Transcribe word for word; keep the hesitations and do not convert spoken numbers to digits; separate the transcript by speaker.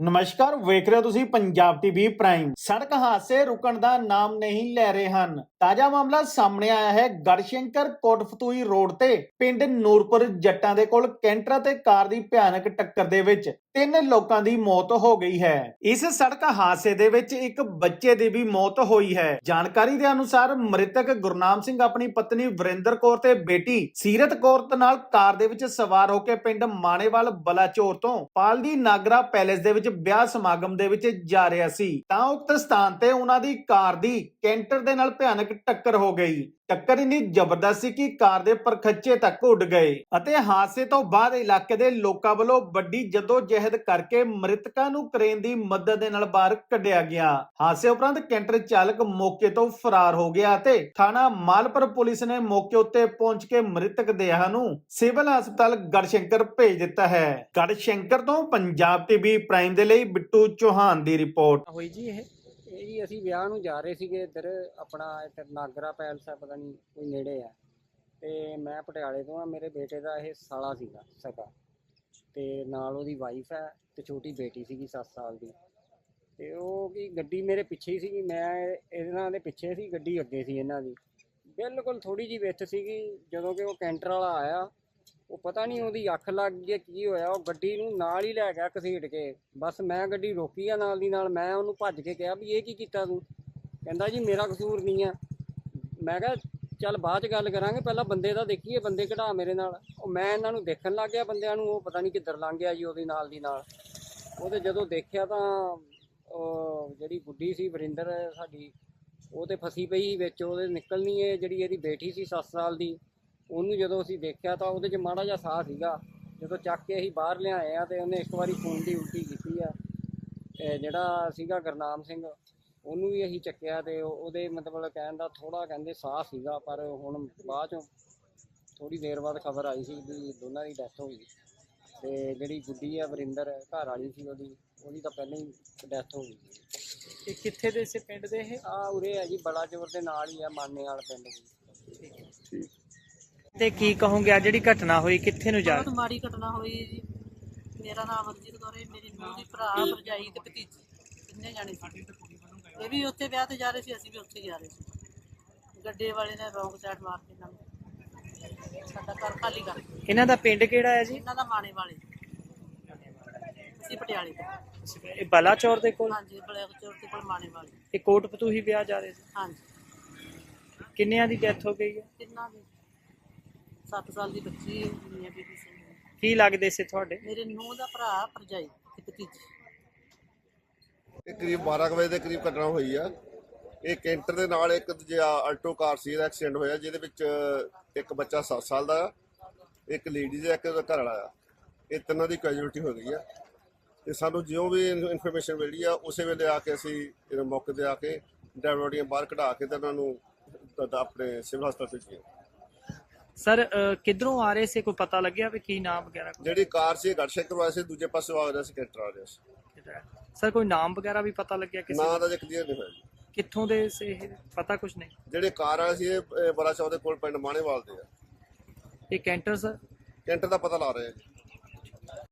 Speaker 1: ਨਮਸਕਾਰ, ਵੇਖ ਰਹੇ ਹੋ ਤੁਸੀਂ ਪੰਜਾਬ ਟੀਵੀ ਪ੍ਰਾਈਮ। ਸੜਕ ਹਾਦਸੇ ਰੁਕਣ ਦਾ ਨਾਮ ਨਹੀਂ ਲੈ ਰਹੇ ਹਨ। ਤਾਜ਼ਾ ਮਾਮਲਾ ਸਾਹਮਣੇ ਆਇਆ ਹੈ ਗੜਸ਼ੰਕਰ ਕੋਟਫਤੂਈ ਰੋਡ ਤੇ ਪਿੰਡ ਨੂਰਪੁਰ ਜੱਟਾਂ ਦੇ ਕੋਲ ਕੈਂਟਰ ਤੇ ਕਾਰ ਦੀ ਭਿਆਨਕ ਟੱਕਰ ਦੇ ਵਿੱਚ ਤਿੰਨ ਲੋਕਾਂ ਦੀ ਮੌਤ ਹੋ ਗਈ ਹੈ। ਇਸ ਸੜਕ ਹਾਦਸੇ ਦੇ ਵਿੱਚ ਇੱਕ ਬੱਚੇ ਦੀ ਵੀ ਮੌਤ ਹੋਈ ਹੈ। ਜਾਣਕਾਰੀ ਦੇ ਅਨੁਸਾਰ ਮ੍ਰਿਤਕ ਗੁਰਨਾਮ ਸਿੰਘ ਆਪਣੀ ਪਤਨੀ ਵਰਿੰਦਰ ਕੌਰ ਤੇ ਬੇਟੀ ਸੀਰਤ ਕੌਰ ਦੇ ਨਾਲ ਕਾਰ ਦੇ ਵਿੱਚ ਸਵਾਰ ਹੋ ਕੇ ਪਿੰਡ ਮਾਣੇਵਾਲ ਬਲਾਚੌਰ ਤੋਂ ਪਾਲਦੀ ਨਾਗਰਾ ਪੈਲੇਸ ਦੇ ਵਿੱਚ ਵਿਆਹ ਸਮਾਗਮ ਦੇ ਵਿੱਚ ਜਾ ਰਿਹਾ ਸੀ ਤਾਂ ਉਕਤ ਸਥਾਨ ਤੇ ਉਹਨਾਂ ਦੀ ਕਾਰ ਦੀ ਕੈਂਟਰ ਦੇ ਨਾਲ ਭਿਆਨਕ ਟੱਕਰ ਹੋ ਗਈ। ਟੱਕਰ ਇੰਨੀ ਜ਼ਬਰਦਸਤ ਸੀ ਕਿ ਕਾਰ ਦੇ ਪਰਖੱਚੇ ਤੱਕ ਉੱਡ ਗਏ ਅਤੇ ਹਾਦਸੇ ਤੋਂ ਬਾਅਦ ਇਲਾਕੇ ਦੇ ਲੋਕਾਂ ਵੱਲੋਂ ਵੱਡੀ ਜਦੋਜਹਿਦ ਕਰਕੇ ਮ੍ਰਿਤਕਾਂ ਨੂੰ ਕਰੇਨ ਦੀ ਮਦਦ ਦੇ ਨਾਲ ਬਾਹਰ ਕੱਢਿਆ ਗਿਆ। ਹਾਦਸੇ ਉਪਰੰਤ ਕੈਂਟਰ ਚਾਲਕ ਮੌਕੇ ਤੋਂ ਫਰਾਰ ਹੋ ਗਿਆ ਅਤੇ ਥਾਣਾ ਮਾਲਪੁਰ ਪੁਲਿਸ ਨੇ ਮੌਕੇ ਉੱਤੇ ਪਹੁੰਚ ਕੇ ਮ੍ਰਿਤਕ ਦੇਹਾਂ ਨੂੰ ਸਿਵਲ ਹਸਪਤਾਲ ਗੜਸ਼ੰਕਰ ਭੇਜ ਦਿੱਤਾ ਹੈ। ਗੜਸ਼ੰਕਰ ਤੋਂ ਪੰਜਾਬ ਟੀਵੀ ਪ੍ਰਾਈਮ ਦੇ ਲਈ ਬਿੱਟੂ ਚੌਹਾਨ ਦੀ ਰਿਪੋਰਟ।
Speaker 2: ਹੋਈ ਜੀ ਇਹ ਇਹ ਜੀ ਅਸੀਂ ਵਿਆਹ ਨੂੰ ਜਾ ਰਹੇ ਸੀਗੇ ਇੱਧਰ ਆਪਣਾ ਇੱਧਰ ਨਾਗਰਾ ਪੈਲਸ ਆ, ਪਤਾ ਨਹੀਂ ਕੋਈ ਨੇੜੇ ਆ, ਤੇ ਮੈਂ ਪਟਿਆਲੇ ਤੋਂ ਆ। ਮੇਰੇ ਬੇਟੇ ਦਾ ਇਹ ਸਾਲਾ ਸੀਗਾ ਸਕਾ, ਤੇ ਨਾਲ ਉਹਦੀ ਵਾਈਫ ਹੈ ਤੇ ਛੋਟੀ ਬੇਟੀ ਸੀਗੀ ਸੱਤ ਸਾਲ ਦੀ। ਤੇ ਉਹ ਕੀ ਗੱਡੀ ਮੇਰੇ ਪਿੱਛੇ ਹੀ ਸੀਗੀ, ਮੈਂ ਇਹਨਾਂ ਦੇ ਪਿੱਛੇ ਸੀ, ਗੱਡੀ ਅੱਗੇ ਸੀ ਇਹਨਾਂ ਦੀ। ਬਿਲਕੁਲ ਥੋੜੀ ਜਿਹੀ ਵਿੱਥ ਸੀਗੀ। ਜਦੋਂ ਕਿ ਉਹ ਕੈਂਟਰ ਵਾਲਾ ਆਇਆ, ਉਹ ਪਤਾ ਨਹੀਂ ਉਹਦੀ ਅੱਖ ਲੱਗ ਗਈ ਕੀ ਹੋਇਆ, ਉਹ ਗੱਡੀ ਨੂੰ ਨਾਲ ਹੀ ਲੈ ਗਿਆ ਘਸੀਟ ਕੇ। ਬਸ ਮੈਂ ਗੱਡੀ ਰੋਕੀ ਆ ਨਾਲ ਦੀ ਨਾਲ। ਮੈਂ ਉਹਨੂੰ ਭੱਜ ਕੇ ਕਿਹਾ ਵੀ ਇਹ ਕੀ ਕੀਤਾ ਤੂੰ? ਕਹਿੰਦਾ ਜੀ ਮੇਰਾ ਕਸੂਰ ਨਹੀਂ ਆ। ਮੈਂ ਕਿਹਾ ਚੱਲ ਬਾਅਦ 'ਚ ਗੱਲ ਕਰਾਂਗੇ, ਪਹਿਲਾਂ ਬੰਦੇ ਦਾ ਦੇਖੀਏ, ਬੰਦੇ ਕਢਾ ਮੇਰੇ ਨਾਲ। ਉਹ ਮੈਂ ਇਹਨਾਂ ਨੂੰ ਦੇਖਣ ਲੱਗ ਗਿਆ ਬੰਦਿਆਂ ਨੂੰ, ਉਹ ਪਤਾ ਨਹੀਂ ਕਿੱਧਰ ਲੰਘ ਗਿਆ ਜੀ ਉਹਦੇ ਨਾਲ ਦੀ ਨਾਲ। ਉਹਦੇ ਜਦੋਂ ਦੇਖਿਆ ਤਾਂ ਉਹ ਜਿਹੜੀ ਗੁੱਡੀ ਸੀ ਵਰਿੰਦਰ ਸਾਡੀ, ਉਹ ਤੇ ਫਸੀ ਪਈ ਵਿੱਚ, ਉਹਦੇ ਨਿਕਲਣੀ ਹੈ। ਜਿਹੜੀ ਇਹਦੀ ਬੇਟੀ ਸੀ ਸੱਤ ਸਾਲ ਦੀ, ਉਹਨੂੰ ਜਦੋਂ ਅਸੀਂ ਦੇਖਿਆ ਤਾਂ ਉਹਦੇ 'ਚ ਮਾੜਾ ਜਿਹਾ ਸਾਹ ਸੀਗਾ। ਜਦੋਂ ਚੱਕ ਕੇ ਅਸੀਂ ਬਾਹਰ ਲਿਆਏ ਆ ਤੇ ਉਹਨੇ ਇੱਕ ਵਾਰੀ ਖੂਨ ਦੀ ਉਲਟੀ ਕੀਤੀ ਆ। ਤੇ ਜਿਹੜਾ ਸੀਗਾ ਗੁਰਨਾਮ ਸਿੰਘ, ਉਹਨੂੰ ਵੀ ਅਸੀਂ ਚੱਕਿਆ ਤੇ ਉਹਦੇ ਮਤਲਬ ਕਹਿਣ ਦਾ ਥੋੜ੍ਹਾ ਕਹਿੰਦੇ ਸਾਹ ਸੀਗਾ, ਪਰ ਹੁਣ ਬਾਅਦ 'ਚੋਂ ਥੋੜ੍ਹੀ ਦੇਰ ਬਾਅਦ ਖਬਰ ਆਈ ਸੀ ਵੀ ਦੋਨਾਂ ਦੀ ਡੈਥ ਹੋ ਗਈ। ਤੇ ਜਿਹੜੀ ਗੁੱਡੀ ਆ ਵਰਿੰਦਰ ਘਰ ਵਾਲੀ ਸੀ ਉਹਦੀ, ਉਹਦੀ ਤਾਂ ਪਹਿਲਾਂ ਹੀ ਡੈਥ ਹੋ ਗਈ।
Speaker 3: ਇਹ ਕਿੱਥੇ ਦੇ ਇਸੇ ਪਿੰਡ ਦੇ? ਇਹ
Speaker 2: ਆ ਉਰੇ ਆ ਜੀ, ਬਲਾਚੌਰ ਦੇ ਨਾਲ ਹੀ ਆ, ਮਾਨੇ ਵਾਲ ਪਿੰਡ ਦੀ।
Speaker 3: ਤੇ ਕੀ ਕਹੋਗੇ ਆ ਜਿਹੜੀ ਘਟਨਾ ਹੋਈ, ਕਿੱਥੇ ਨੂੰ ਜਾ
Speaker 4: ਬਹੁਤ ਮਾੜੀ ਘਟਨਾ ਹੋਈ ਹੈ ਜੀ। ਮੇਰਾ ਨਾਮ ਅਮਰਜੀਤ ਕੌਰ ਹੈ, ਮੇਰੀ ਨੂੰਹ ਦੀ ਭਰਾ ਭਰਜਾਈ ਤੇ ਭਤੀਜੀ, ਕਿੰਨੇ ਜਾਣੇ ਸੀ। ਇਹ ਵੀ ਉੱਥੇ ਵਿਆਹ ਤੇ ਜਾ ਰਹੇ ਸੀ, ਅਸੀਂ ਵੀ ਉੱਥੇ ਜਾ ਰਹੇ ਸੀ। ਗੱਡੇ ਵਾਲੇ ਨੇ ਰੌਂਗ ਸਾਈਡ ਮਾਰ ਕੇ ਨਾਲ ਸਾਡਾ ਘਰ ਖਾਲੀ ਕਰ ਦਿੱਤਾ।
Speaker 3: ਇਹਨਾਂ ਦਾ ਪਿੰਡ ਕਿਹੜਾ ਹੈ ਜੀ?
Speaker 4: ਇਹਨਾਂ ਦਾ ਮਾਣੇ ਵਾਲੇ, ਅਸੀਂ ਪਟਿਆਲੇ ਤੋਂ।
Speaker 3: ਇਹ ਬਲਾਚੌਰ ਦੇ ਕੋਲ?
Speaker 4: ਹਾਂਜੀ, ਬਲਾਚੌਰ ਦੇ ਕੋਲ ਮਾਣੇ ਵਾਲੇ।
Speaker 3: ਇਹ ਕੋਟਪਤੂਹੀ ਵਿਆਹ ਜਾ ਰਹੇ ਸੀ?
Speaker 4: ਹਾਂਜੀ।
Speaker 3: ਕਿੰਨਿਆਂ ਦੀ ਡੈਥ ਹੋ ਗਈ ਹੈ?
Speaker 4: ਕਿੰਨਾ ਦੀ ਸੱਤ ਸਾਲ ਦੀ ਬੱਚੀ ਮੀਆਂ ਬੀਬੀ ਸਿੰਘ।
Speaker 3: ਕੀ ਲੱਗਦੇ ਸੀ ਤੁਹਾਡੇ?
Speaker 4: ਮੇਰੇ ਨੂੰਹ ਦਾ ਭਰਾ ਭਰਜਾਈ ਤੇ ਭਤੀਜੀ।
Speaker 5: ਇਹ ਕਰੀਬ ਬਾਰਾਂ ਕੁ ਵਜੇ ਦੇ ਕਰੀਬ ਘਟਨਾ ਹੋਈ ਆ। ਇਹ ਕੈਂਟਰ ਦੇ ਨਾਲ ਇੱਕ ਦੂਜਾ ਆਲਟੋ ਕਾਰ ਸੀ, ਇਹਦਾ ਐਕਸੀਡੈਂਟ ਹੋਇਆ, ਜਿਹਦੇ ਵਿੱਚ ਇੱਕ ਬੱਚਾ ਸੱਤ ਸਾਲ ਦਾ, ਇੱਕ ਲੇਡੀਜ਼ ਹੈ, ਇੱਕ ਉਹਦਾ ਘਰ ਵਾਲਾ ਆ। ਇਹ ਤਿੰਨਾਂ ਦੀ ਕੈਜੂਅਲਟੀ ਹੋ ਗਈ ਆ। ਤੇ ਸਾਨੂੰ ਜਿਉਂ ਵੀ ਇਨਫੋਰਮੇਸ਼ਨ ਮਿਲੀ ਆ, ਉਸੇ ਵੇਲੇ ਆ ਕੇ ਅਸੀਂ ਇਹ ਮੌਕੇ 'ਤੇ ਆ ਕੇ ਡਰਾਈਵਰ ਬੋਡੀਆਂ ਬਾਹਰ ਕਢਾ ਕੇ ਤੇ ਉਹਨਾਂ ਨੂੰ ਆਪਣੇ ਸਿਵਲ ਹਸਪਤਾਲ ਭੇਜਿਆ।
Speaker 3: ਸਰ ਕਿੱਧਰੋਂ ਆ ਰਹੇ ਸੀ, ਕੋਈ ਪਤਾ ਲੱਗਿਆ ਵੀ ਕੀ ਨਾਮ ਵਗੈਰਾ?
Speaker 5: ਜਿਹੜੀ ਕਾਰ ਸੀ ਗੜਸ਼ੰਕਰ ਵਾਲੇ ਸੀ, ਦੂਜੇ ਪਾਸੇ ਆ ਰਿਹਾ ਸੀ, ਕੈਂਟਰ ਆ ਰਿਹਾ ਸੀ।
Speaker 3: ਸਰ ਕੋਈ ਨਾਮ ਵਗੈਰਾ ਵੀ ਪਤਾ ਲੱਗਿਆ ਕਿਸੇ
Speaker 5: ਨਾਂ ਦਾ ਜੇ ਕਲੀਅਰ ਨਹੀਂ ਹੋਇਆ ਜੀ।
Speaker 3: ਕਿੱਥੋਂ ਦੇ ਸੀ ਇਹ, ਪਤਾ ਕੁਛ ਨਹੀਂ?
Speaker 5: ਜਿਹੜੇ ਕਾਰ ਵਾਲੇ ਸੀ ਇਹ ਬਲਾਚੌਰ ਦੇ ਕੋਲ ਪਿੰਡ ਮਾਣੇਵਾਲ ਦੇ ਆ।
Speaker 3: ਇਹ ਕੈਂਟਰ ਸਰ?
Speaker 5: ਕੈਂਟਰ ਦਾ ਪਤਾ ਲਾ ਰਹੇ ਆ ਜੀ।